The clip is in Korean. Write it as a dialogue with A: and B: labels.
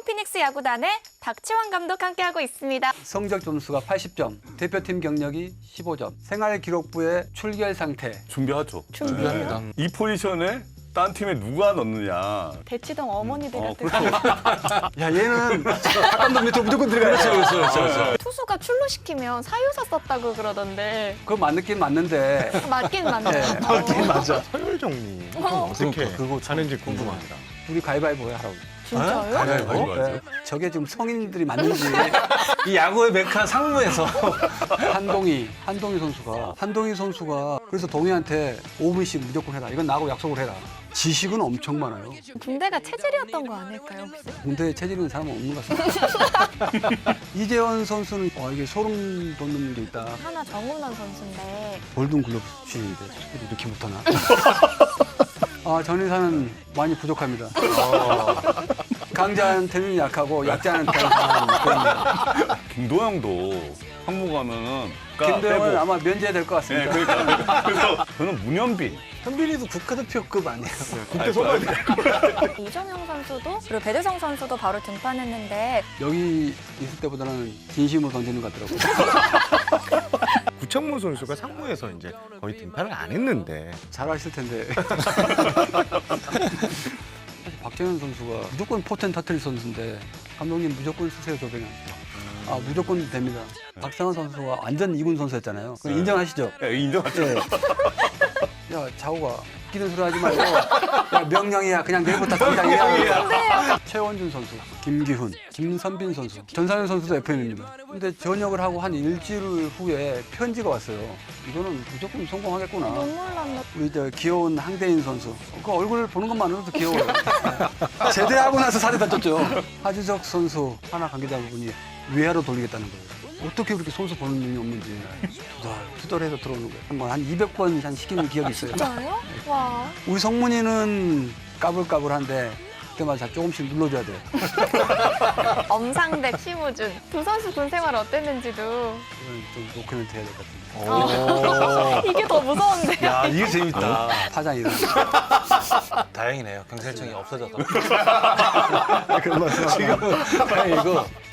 A: 삼성 피닉스 야구단의 박지원 감독 함께하고 있습니다.
B: 성적 점수가 80점, 대표팀 경력이 15점, 생활기록부에 출결 상태.
C: 준비하죠.
A: 준비해요.
C: 이 포지션에 딴 팀에 누가 넣느냐.
A: 대치동 어머니들 같은
C: 그렇죠.
B: 야, 얘는 박감독 밑으로 무조건 들어가야 돼.
C: 그렇죠.
A: 투수가 출루시키면 사유사 썼다고 그러던데
B: 그거 맞긴 맞는데.
A: 맞긴 맞네요.
B: 맞긴 맞아.
D: 서열 정리
A: 어.
D: 어떻게
B: 그거
D: 하는지 궁금합니다.
B: 우리 가위바위보 하라고.
A: 진짜요?
C: 가위바위보 하죠.
B: 네. 저게 지금 성인들이 맞는지.
E: 이 야구의 메카 상무에서
B: 한동희 선수가 그래서 동희한테 5분씩 무조건 해라. 이건 나하고 약속을 해라. 지식은 엄청 많아요.
A: 군대가 체질이었던 거 아닐까요 혹시?
B: 군대에 체질 있는 사람은 없는 것 같습니다. 이재원 선수는 이게 소름 돋는 게 있다.
A: 하나 정훈원 선수인데
B: 골든 글러브 출신인데 이렇게 못하나? 전의사는 많이 부족합니다. 강자한테는 약하고 약자한테는 강한.
C: 김도영도 상무 가면은
B: 김도영은 아마 면제될 것
C: 네,
B: 같습니다.
C: 그러니까. 그래서 저는 문현빈.
E: 현빈이도 국가대표급 아니에요?
D: 국대 소방대
A: 이정영 선수도 그리고 배대성 선수도 바로 등판했는데
B: 여기 있을 때보다는 진심으로 던지는 것 같더라고요.
D: 구창모 선수가 상무에서 이제 거의 등판을 안 했는데
B: 잘하실 텐데. 사실 박정현 선수가 무조건 포텐 터트릴 선수인데 감독님 무조건 쓰세요 조병현. 무조건 됩니다. 박상환 선수가 완전 2군 선수였잖아요. 그럼 인정하시죠?
C: 네, 인정하죠.
B: 네. 야 자우가 웃기는 소리 하지 말고 야 명령이야 그냥 내일부터 당장 해야. 최원준 선수, 김기훈, 김선빈 선수, 전상현 선수도 FM입니다. 근데 전역을 하고 한 일주일 후에 편지가 왔어요. 이거는 무조건 성공하겠구나.
A: 눈물 난다.
B: 우리 저 귀여운 항대인 선수. 그 얼굴 보는 것만으로도 귀여워요. 제대하고 나서 살이 다 쪘죠. 하주석 선수 하나 관계자분이 외야로 돌리겠다는 거예요. 어떻게 그렇게 선수 보는 눈이 없는지 투덜해서 들어오는 거예요. 한 200번 한 시키는 기억이 있어요.
A: 진짜요? 와.
B: 우리 성문이는 까불까불한데 그때마다 조금씩 눌러줘야 돼요.
A: 엄상백, 심우준 두 선수 군 생활 어땠는지도
B: 이건 좀 노코멘트 해야 될 것 같은데.
A: 이게 더 무서운데.
E: 야, 이게 재밌다.
B: 파장 이런.
E: 다행이네요. 경찰청이 없어져서.
B: 그런 말씀 지금은
E: 다행이고.